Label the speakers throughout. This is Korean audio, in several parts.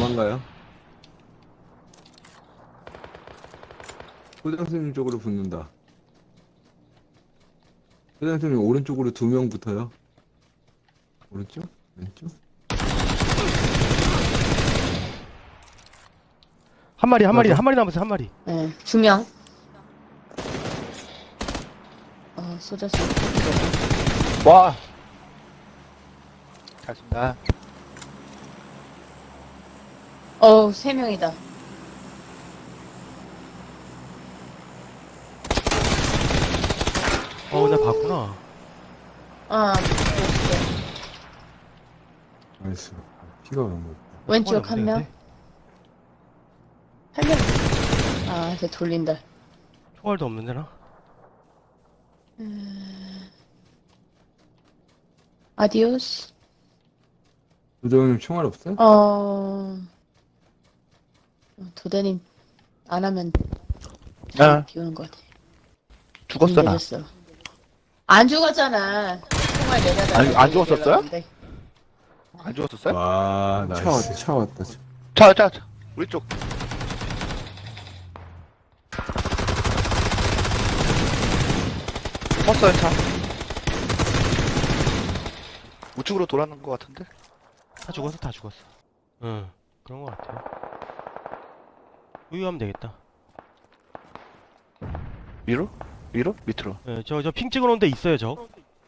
Speaker 1: 도망가요. 소장스님 쪽으로 붙는다. 소장스님 오른쪽으로 2명 붙어요. 오른쪽? 왼쪽?
Speaker 2: 한 마리
Speaker 1: 맞아.
Speaker 2: 남았어요, 한 마리.
Speaker 3: 네, 2명. 쏘졌어.
Speaker 4: 와. 잘 쏜다.
Speaker 3: 3명이다.
Speaker 2: 나 봤구나.
Speaker 1: 나이스. 피가 너무.
Speaker 3: 왼쪽 한 명.
Speaker 2: 없네,
Speaker 3: 한 명. 이제 돌린다.
Speaker 2: 총알도 없는데, 나?
Speaker 3: 아디오스.
Speaker 1: 도장님 총알 없어요?
Speaker 3: 도대님 안 하면
Speaker 4: 아.
Speaker 3: 비우는 것 같아.
Speaker 4: 죽었어, 나.
Speaker 3: 늦었어. 안 죽었잖아. 정말 내가
Speaker 4: 아니, 안 죽었었어요? 안 죽었었어요?
Speaker 1: 와, 나이스. 차 왔다.
Speaker 4: 자. 우리 쪽. 섰어요, 차. 우측으로 돌아는 것 같은데?
Speaker 2: 다 죽었어. 응, 그런 거 같아요. 여기 가면 되겠다.
Speaker 4: 위로? 위로? 밑으로.
Speaker 2: 예, 저 핑 찍어놓은 데 있어요, 저.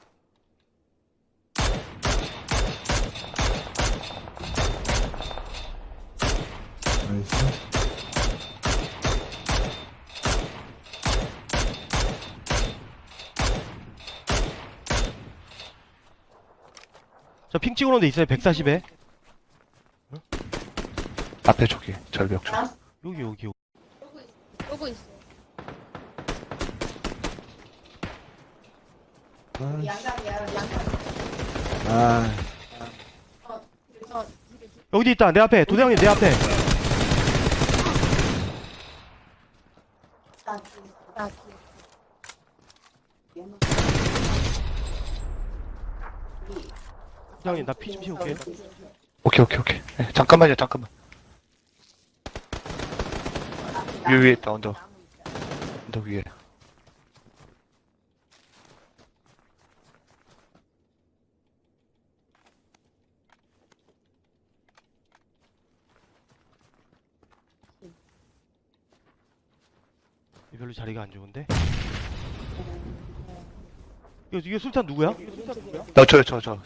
Speaker 1: 나이스.
Speaker 2: 저 핑 찍어놓은 데 있어요, 140에.
Speaker 4: 앞에 저기, 절벽 쪽.
Speaker 2: 여기.
Speaker 3: 쏘고 있어.
Speaker 1: 아,
Speaker 2: 여기도 있다, 내 앞에. 도대장님, 내 앞에. 도대장님, 나 피 좀 채울게.
Speaker 4: 오케이. 네, 잠깐만요. 위에 있다, 언덕 위에.
Speaker 2: 별로 자리가 안 좋은데? 이게 술탄 누구야?
Speaker 4: 저요.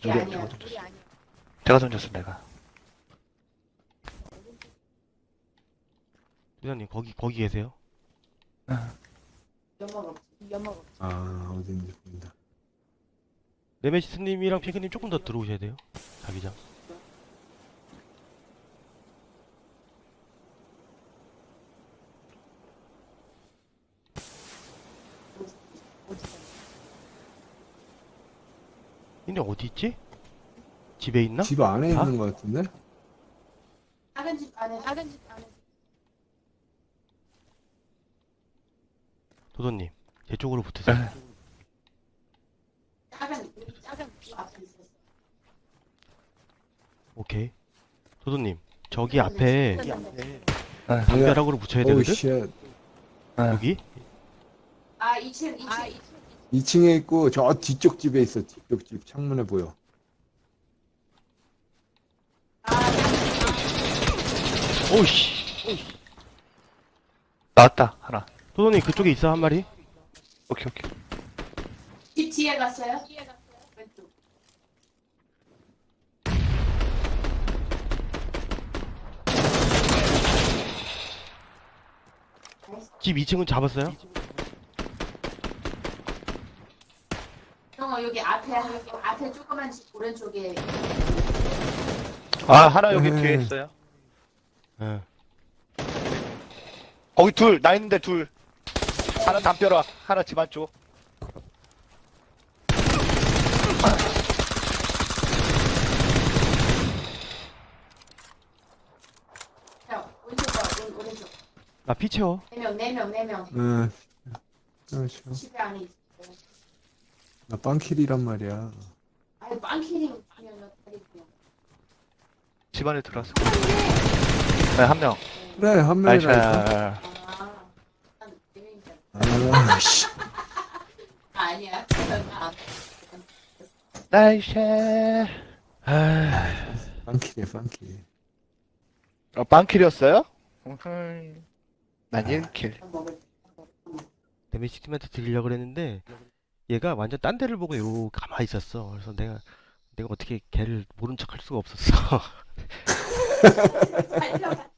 Speaker 4: 제가 던졌어, 내가.
Speaker 2: 도대장님, 거기 계세요?
Speaker 1: 어딘지 보인다.
Speaker 2: 네메시스님이랑 핑크님 조금 더 들어오셔야 돼요. 자기장. 근데 어디 있지? 집에 있나?
Speaker 1: 집 안에
Speaker 2: 다?
Speaker 1: 있는 것 같은데?
Speaker 3: 작은 집 안에.
Speaker 2: 도도님, 제 쪽으로 붙으세요.
Speaker 4: 네.
Speaker 3: 작은 집 앞에 있었어.
Speaker 2: 오케이. 도도님, 저기 앞에
Speaker 4: 네.
Speaker 2: 담벼락으로 붙여야
Speaker 1: 오우,
Speaker 2: 되거든?
Speaker 1: 쉣.
Speaker 2: 여기?
Speaker 3: 2층.
Speaker 1: 2층에 있고, 저 뒤쪽 집에 있어. 뒤쪽 집. 창문에 보여.
Speaker 2: 오우씨.
Speaker 4: 나왔다, 하나.
Speaker 2: 도도님, 그쪽에 있어, 한 마리?
Speaker 4: 오케이.
Speaker 3: 집 뒤에 갔어요? 왼쪽.
Speaker 2: 집 2층은 잡았어요?
Speaker 3: 여기 앞에 조그만 집 오른쪽에.
Speaker 4: 하나 여기
Speaker 1: 네.
Speaker 4: 뒤에 있어요.
Speaker 2: 예.
Speaker 4: 거기 나 있는데 둘. 하나 담벼락, 하나 집 안쪽.
Speaker 3: 오른쪽.
Speaker 2: 나 피 채워.
Speaker 3: 4명.
Speaker 1: 응. 잠시만.
Speaker 3: 집에 안에 있어.
Speaker 1: 나 빵킬이란 말이야.
Speaker 3: 빵키링 하면 어떻게 돼요?
Speaker 4: 집 안에 들어왔을 거야. 네, 한 명.
Speaker 1: 그래, 한
Speaker 4: 나이스.
Speaker 1: 명이라니까.
Speaker 3: 아, 한 4명이잖아.
Speaker 1: 아, 씨.
Speaker 3: 아니야. 그건 안.
Speaker 4: 나이스.
Speaker 1: 빵킬이야, 빵킬.
Speaker 4: 빵킬이었어요? 난 1킬.
Speaker 3: 먹을
Speaker 2: 데미지팀한테 드리려고 그랬는데 얘가 완전 딴 데를 보고 요 가만히 있었어. 그래서 내가 어떻게 걔를 모른 척 할 수가 없었어.
Speaker 3: 살려가.